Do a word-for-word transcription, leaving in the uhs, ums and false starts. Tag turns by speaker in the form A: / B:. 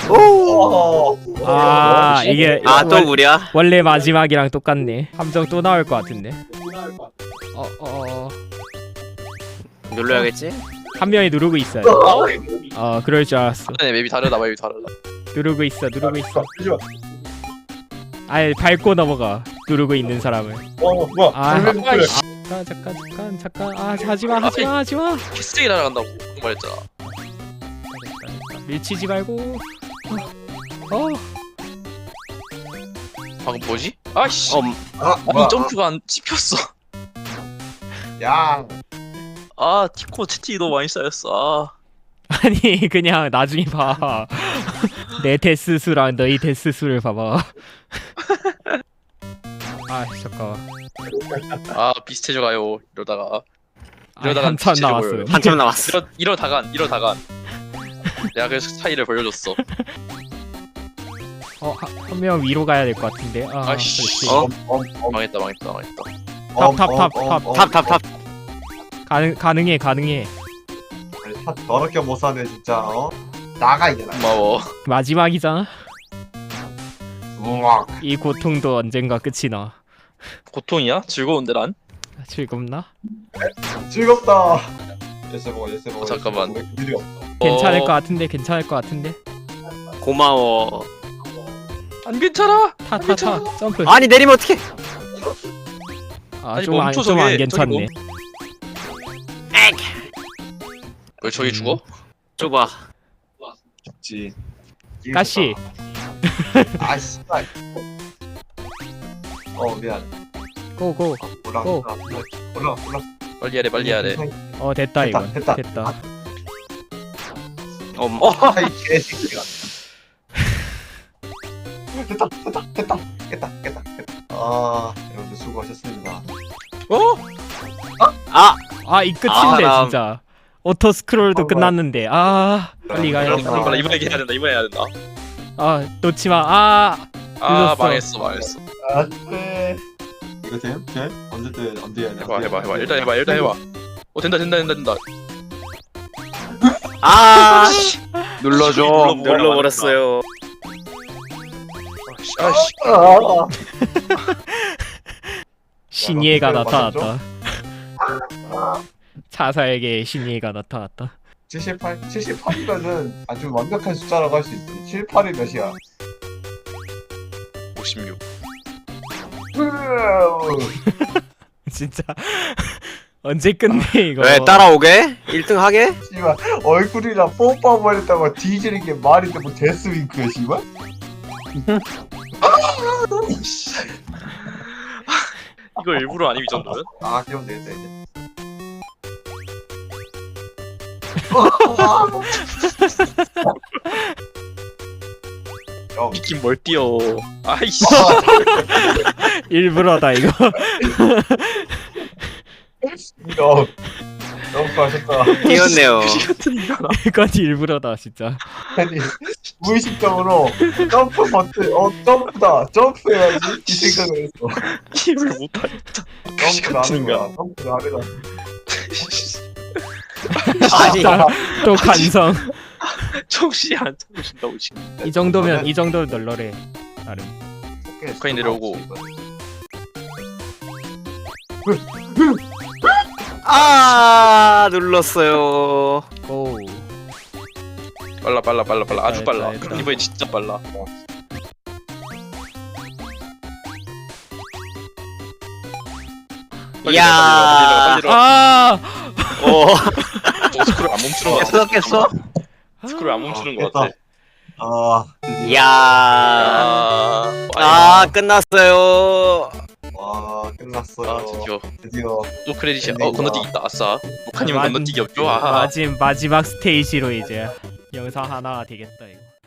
A: 오.
B: 아 이게
A: 아 또
B: 원-
A: 무리야?
B: 원래 마지막이랑 똑같네. 함정 또 나올 것 같은데. 어어 어, 어.
A: 눌러야겠지?
B: 한 명이 누르고 있어요. 어 그럴 줄 알았어.
C: 네 맵이 다르다 맵이 다르다.
B: 누르고 있어 누르고 있어. 아예 밟고 넘어가. 누르고 있는 사람을.
D: 어 뭐야?
B: 아,
D: 불면
B: 아,
D: 그래.
B: 잠깐 잠깐 잠깐 잠깐. 아 하지마 하지마 하지마.
C: 키스틱이 날아간다고 말했잖아.
B: 밀치지 말고. 어. 어.
C: 방금 뭐지? 아이씨.
A: 어,
D: 아
C: 아니
D: 뭐야?
C: 점프가 안 씹혔어.
D: 야.
C: 아 티코 채팅이 너무 많이 쌓였어. 아.
B: 아니 그냥 나중에 봐. 내 데스 수랑 너희 데스 수를 봐봐. 아 잠깐.
C: 아 비슷해져가요 이러다가.
B: 아,
C: 이러다가
B: 한참
C: 진짜
B: 남았어요.
C: 보여요.
A: 한참 남았어.
C: 이러 이러다간 이러다간. 내가 그래서 차이를 보여줬어.
B: 어한 명 위로 가야 될 것 같은데. 아
C: 아이씨.
B: 그렇지.
A: 어?
D: 엄엄엄
C: 망했다 망했다 망했다.
B: 탑, 탑, 탑, 탑.
A: 탑 탑 탑.
B: 가능 가능해 가능해.
D: 더럽게 못 사네 진짜. 어? 나가 이제 나.
C: 고마워.
B: 마지막이잖아.
D: 우와.
B: 이 고통도 언젠가 끝이 나.
C: 고통이야? 즐거운데 난?
B: 즐겁나?
D: 즐겁다. 예스 먹어 예스 먹어.
C: 어, 잠깐만.
D: 일이 없어.
B: 괜찮을
C: 어,
B: 것 같은데 괜찮을 것 같은데.
A: 고마워.
C: 안 괜찮아.
B: 타 타 타 점프.
A: 아니 내리면 어떡해?
C: 아니,
B: 아좀안
C: 멈춰,
B: 좀 안
C: 저게.
B: 괜찮네.
C: 왜 저기
B: 음.
C: 죽어?
A: 좁아.
D: 죽지.
B: 가시.
D: 아 씨발. 어 미안.
B: 고고.
D: 올라
B: 고.
D: 올라 올라 올라.
C: 빨리 해야 돼 빨리 해야 돼.
B: 어 됐다
D: 됐다,
B: 이건.
D: 됐다.
B: 됐다.
A: 엄.
D: 아이 개새끼가. 됐다 됐다 됐다 깼다 깼다 깼다. 아 여러분들 수고하셨습니다.
C: 어?
A: 아
B: 아 이 끝인데
A: 아, 나-
B: 진짜. 오토 스크롤도
D: 어,
B: 끝났는데. 아 빨리 가야
C: 빨리
B: 돼.
C: 빨리 빨리 이번에 해야 된다 이번에 해야 된다.
B: 아 놓지 마. 아
C: 아
B: 늦었어.
C: 망했어 망했어.
D: 안돼. 이거 됨? 됨? 언제 때 언제 해야 돼?
C: 해봐 해봐 해봐 일단 해봐 일단 해봐. 어 된다 된다 된다 된다.
A: 아.
C: 눌러줘.
A: 눌러버렸어요.
C: 아씨 아씨.
D: 아.
B: 신예가
D: 야,
B: 나타났다. 차사에게 신예가 나타났다.
D: 칠십팔? 칠십팔이면은 아주 완벽한 숫자라고 할 수 있지. 칠십팔이 몇이야?
C: 오십육.
B: 진짜 언제 끝내 이거?
A: 왜 따라오게? 일 등 하게?
D: 씨발 얼굴이랑 뽀뽀버렸다고 뒤지는 게 말이 되고 데스윙크야 씨발?
C: 이거 일부러 아님 이 정도면?
D: 아 그럼 되겠다 이제. 형,
C: 미킨 뭘 뛰어. 아이씨.
B: 일부러다 이거.
D: 형, 너무 수고하셨다.
A: 뛰었네요.
C: 같은 인간아.
B: 이건 일부러다 진짜.
D: 아니 무의식적으로 점프 버튼, 어 점프다, 점프해야지 이 생각을 했어.
C: 힘을 못하겠다.
D: 점프를 하는 거야, 점프를 하려다.
A: 아니
B: 또 간성.
C: 정신이 안 차리신다고 지금.
B: 이 정도면 이 정도는 널널해. 나름.
C: 북한이 내려오고.
A: 아 눌렀어요.
B: 고.
C: 빨라 빨라 빨라 빨라 아주
B: 됐다,
C: 빨라.
B: 됐다.
C: 이번엔 진짜 빨라. 빨리
A: 이야.
C: 내려가, 빨리 내려가, 빨리 내려가.
B: 아.
A: 오.
C: 저거 스크롤 안 멈추는 거 같아.
A: 깼어 깼어?
C: 스크롤 안 멈추는 거
D: 깼다.
C: 같아.
D: 아, 드디어.
A: 이야.
C: 아,
A: 아 끝났어요.
D: 와 끝났어요.
C: 아 드디어
D: 드디어.
C: 또 크레딧이야. 어
D: 엔딩이다.
C: 건너뛰기 있다. 아싸. 목하님은
B: 마-
C: 건너뛰기 없죠? 아.
B: 마지 마지막 스테이지로 이제 영상 하나 되겠다 이거.